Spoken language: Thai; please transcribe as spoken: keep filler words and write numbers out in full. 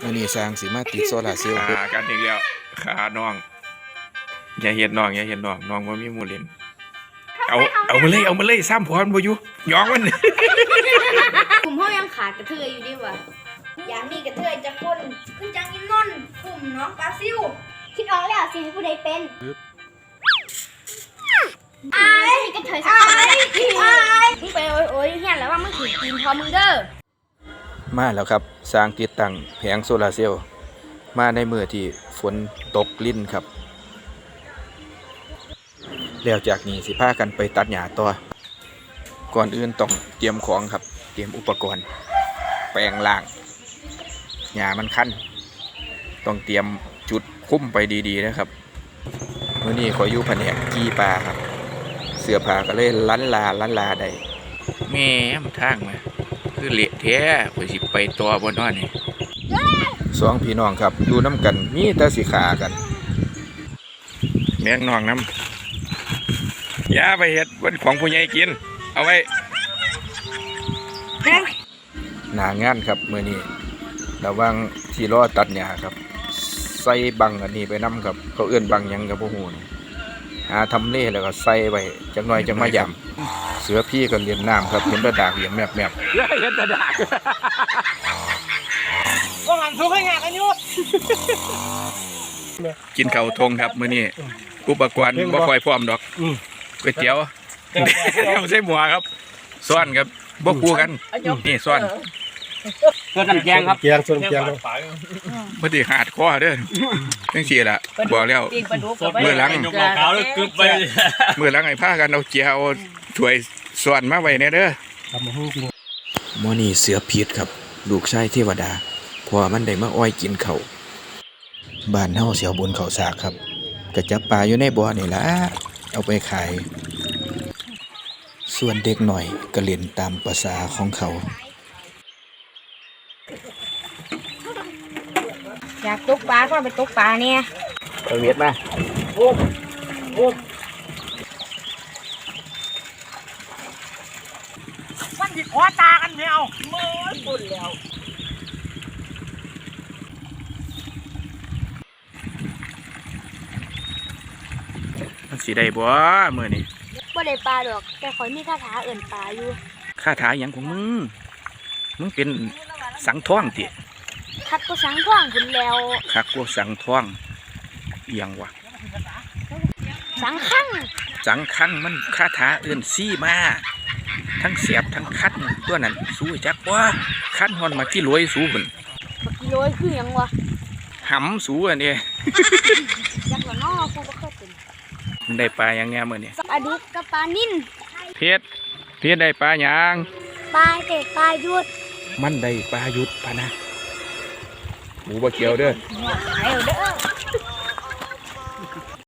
มื้อนี้สร้างสิมาติดโซลาร์เซลล์ขากันอีกแล้วขาน้องอย่าเห็นน้องอย่าเห็นน้องน้องว่ามีหมู่เล่นเอาเอามาเลยเอามาเลยซ้ำพรบ่อยู่ย้องมันกลุ่มเขายังขาดกระเทยอยู่ดีวะอย่างนี้กระเทยจะคนขึ้นจังอินนนกลุ่มน้องปลาซิวคิดออกแล้วสิให้ผู้ใดเป็นไอ้กระเทยสักคนเลยมึงไปโอ้ยโอ้ยเฮียแล้วว่ามึงถือกินพอมึงเด้อมาแล้วครับสร้างติดตั้งแผงโซลาร์เซลล์มาในมื้อที่ฝนตกลิ้นครับแล้วจากนี้สิพากันไปตัดหญ้าต่อก่อนอื่นต้องเตรียมของครับเตรียมอุปกรณ์แปลงล่างหญ้ามันคันต้องเตรียมจุดคุ้มไปดีๆนะครับมื้อนี้ขออยู่แผนกกีปลาครับเสื้อผ้าก็เลยลันลาลันลาได้แม่มทางมาคือเละแท้ข่อยสิไปตัวบ่นอนนี่สองพี่น้องครับอยู่น้ำกันมีแต่สิขากันแม่งน้องน้ำอย่าไปเฮ็ดบนของผู้ใหญ่กินเอาไว้หนางานครับมื้อนี้ระวังที่รอตัดหญ้าครับใส่บังอันนี้ไปนำครับเขาเอื้อนบังหยังกับบ่ฮู้หาทำเลแล้วก็ใส่ไว้จักหน่อยจังมายำเสือพี่ก็เลี้ยงน้ำครับเห็นตะดากเหลี่ยมแมบๆเห็นตะดากว่าหันทุกให้งานกันอยู่กินข้าวทงครับมื้อนี้อุปกรณ์บ่ค่อยพร้อมดอกก๋วยเตี๋ยวไม่ใช่หมูครับซ้อนครับบ่คู่กันนี่ซ้อนส่วนน้ำแกงครับแกงส่วนแกงบ่ได้ขาดคอเด้อจังซี่ล่ะบอกแล้วมื้อหลังมื้อหลังให้พากันเอาเจียวเอาถ้วยซ้อนมาไว้แน่เด้อมื้อนี้เสือผิดครับลูกชายเทวดาเพราะมันได้มาอ้อยกินข้าวบ้านเฮาเสียวบนเขาสากครับก็จับปลาอยู่ในบ่อนี่ล่ะเอาไปขายส่วนเด็กหน่อยก็เล่นตามภาษาของเขาอยากตกปลาก็ไปตกปลาเนี่ยไปเวียดมาโอ้โอ้มันดิขวาตากันไม่เอาเมื่อปุ่นแล้วมันสิได้บ่มื้อนี้บ่ได้ปลาดอกแต่ข่อยมีคาถาเอิ่นปลาอยู่คาถาหยังของมึงมึงเป็นสังท่องติคักก็สังท่องพุ่นแล้วคักก็สังท่องเอียงวะสังคั่งสังคั่งมันคาถาเอิ่นซี่มาทั้งเสียบทั้งคัดตัวนั้นสู้จักบ่คัดฮอนมากี่รวยสู้พุ่นมากี่รวยคือหยังวะหำสู้อันนี้จักว่าน้อกูบ่เคยเป็นมันได้ปลาหยังแน่มื้อนี้ปลาดุกกับปลานิ่นเพชรเพชรได้ปลาหยังปลาเตะปลายุดมันได้ปลายุดพะนะหมูบ่เกี่ยวเด้อเด้อ